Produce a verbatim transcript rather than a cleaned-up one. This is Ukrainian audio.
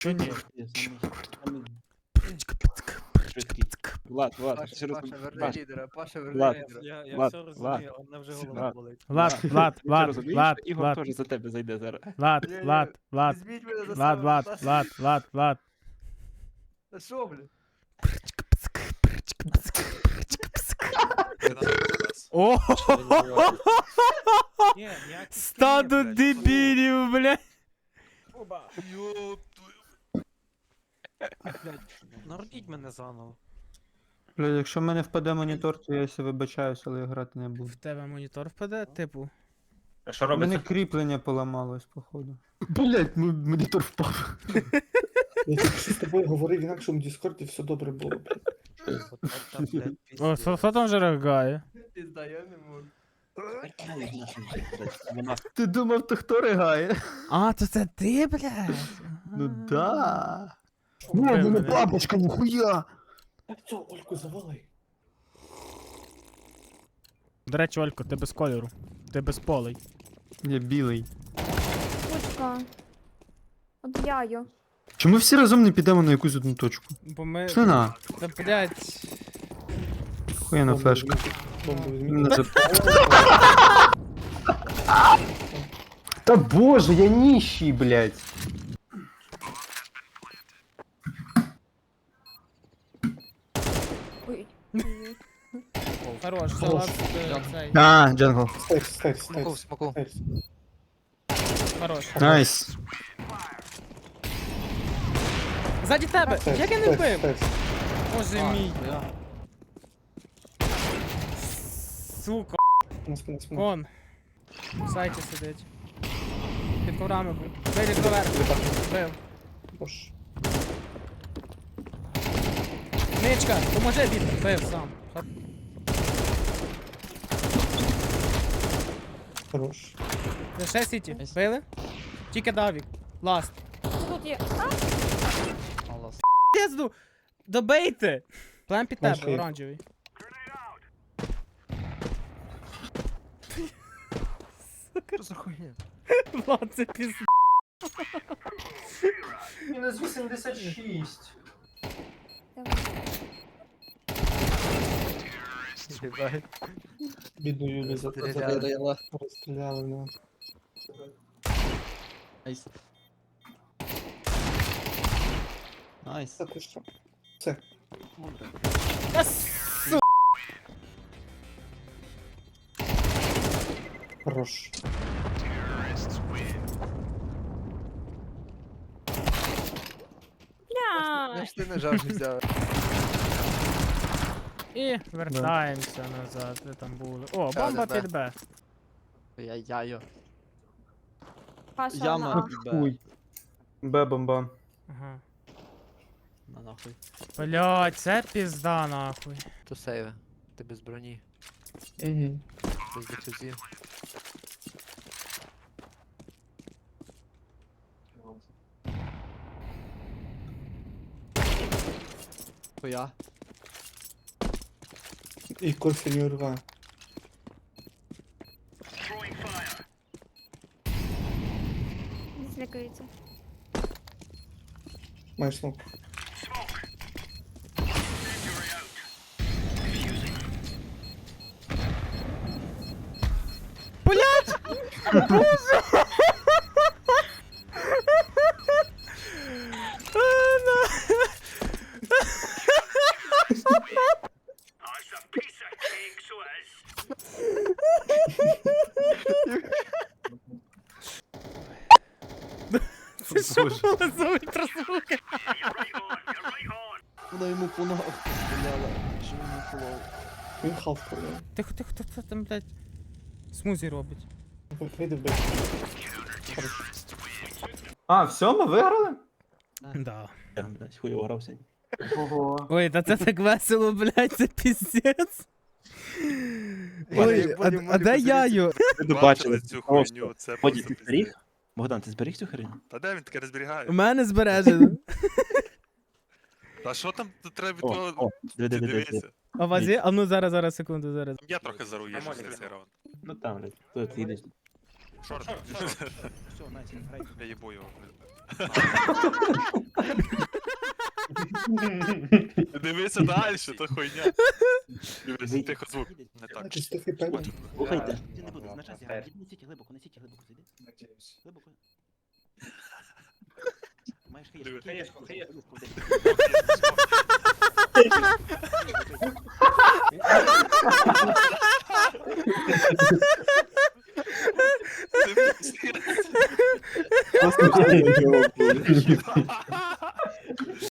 Чо ні? Влад, Влад, Паша, ще раз. Паша, верни Паш, лідера, Паша, верни Влад. лідера. Я, я Влад, все Влад, розумію, а мене вже голова Влад. болить. Влад, Влад, Влад, Ти Влад, розумієш, Влад, що Ігор Влад, теж за тебе зайде зараз. Влад, Ні-ні, Влад, Влад, Візьміть мене за Влад, себе, Влад, будь Влад, Влад, Влад. Та що, блін? О, Ні, ніяких стадо скінів, блядь. дебілів, блядь. Оба. Блядь, народіть мене заново. Бля, якщо в мене впаде монітор, то я ся вибачаюсь, але я грати не буду. В тебе монітор впаде, типу. А що У мене кріплення поламалось, походу. Блять, монітор впав. Я тільки що з тобою говорив в інакшому Діскорді, все добре було. блядь. От це, блядь, О, пиздец. що що там вже ригає? Пізда, я не можу. Вона Ти думав, то хто ригає? А, то це ти, блядь? Ну да. Ну, Вбив мене мене. бабочка, ніхуя! Так цього, Ольку, завали. До речі, Олько, ти без кольору. Ти без полей. Я білий. Кучка. От яю. Чому всі разом не підемо на якусь одну точку? Бо ми... Пішли на. Та, блядь. Хуяна флешка. Бомбу візьміть. Мене це- Та боже, я ніщий, блять. Ой. Хорош, Хорош. залаз е, цей. А, джангл. Стейрс, стейрс, Смоку, стейрс. смоку. стейрс. Хорош. Найс. Ззаді тебе! Стейрс, Як я не стейрс, вбив? стейрс. Боже мій. Сука, На спину, на спину. кон. В сайті сидить. Під коврами був. Вийди поверх. Вбив. Боже. Ничка, поможи Вітер. Вбив сам. Хар- Хорош. Це ще сіті. Били? Тільки Давік. Ласт. Тут є. А, Пізду! Добейте! Плем під тебе, Окей. оранжевий. Що за хуйня? Влад, це пізд. Мінус вісімдесят шість. давай. Єбать. Бідну Юлю за Стріляли. розстріляли, ну. Найс. Найс. Та ти що? Все. Та су... Хорош. Бля. Я ж ти нажав не взяв. І вертаємося назад, де там були. О, бомба Да-да-да. під Б. Я яйо. Паша Яма на. під Б. Хуй. Бе-бомба. Ага. На нахуй. Блять, це пізда нахуй. То сейве. Ти без броні. Угу. Без дефюзів. Хуя. І кофе не урва. Не злякається. Маєш смок. Це що було за ультразвуки? Вона йому по ногах стріляла. Що йому полов? Він халф продав. Тихо, тихо, хто це там, блядь, смузі робить? Вийди в бек. Хорош. А, все, ми виграли? Да. Я, блядь, хуйово грався. Ого. Ой, та це так весело, блядь, це піздець. Ой, а, а де яю? Ви Бачили бачили цю просто. хуйню, це Воді, просто ти зберіг? пиздець. Богдан, ти зберіг цю хрень? Та де він таке не зберігає? У мене збережено. Та що там тут треба від О, того? о, Ти диви, диви, диви. дивися. А у вас є? А ну зараз, зараз, секунду, зараз. Я трохи заруєш Нормально, за цей нормально. раунд. Ну там, блядь, хто ти їдеш? Шорт. Все, найс, грайте. Я їбу його. блядь. Дивися далі, то хуйня. Дивись, тихо звук. Не так. Значить, стихи певні. Слухайте. Ти не буде, значить, я не сіті глибоко, не сіті глибоко, зайди. Глибоко. Маєш хаєшку. Хаєшку, хаєшку. Дивись.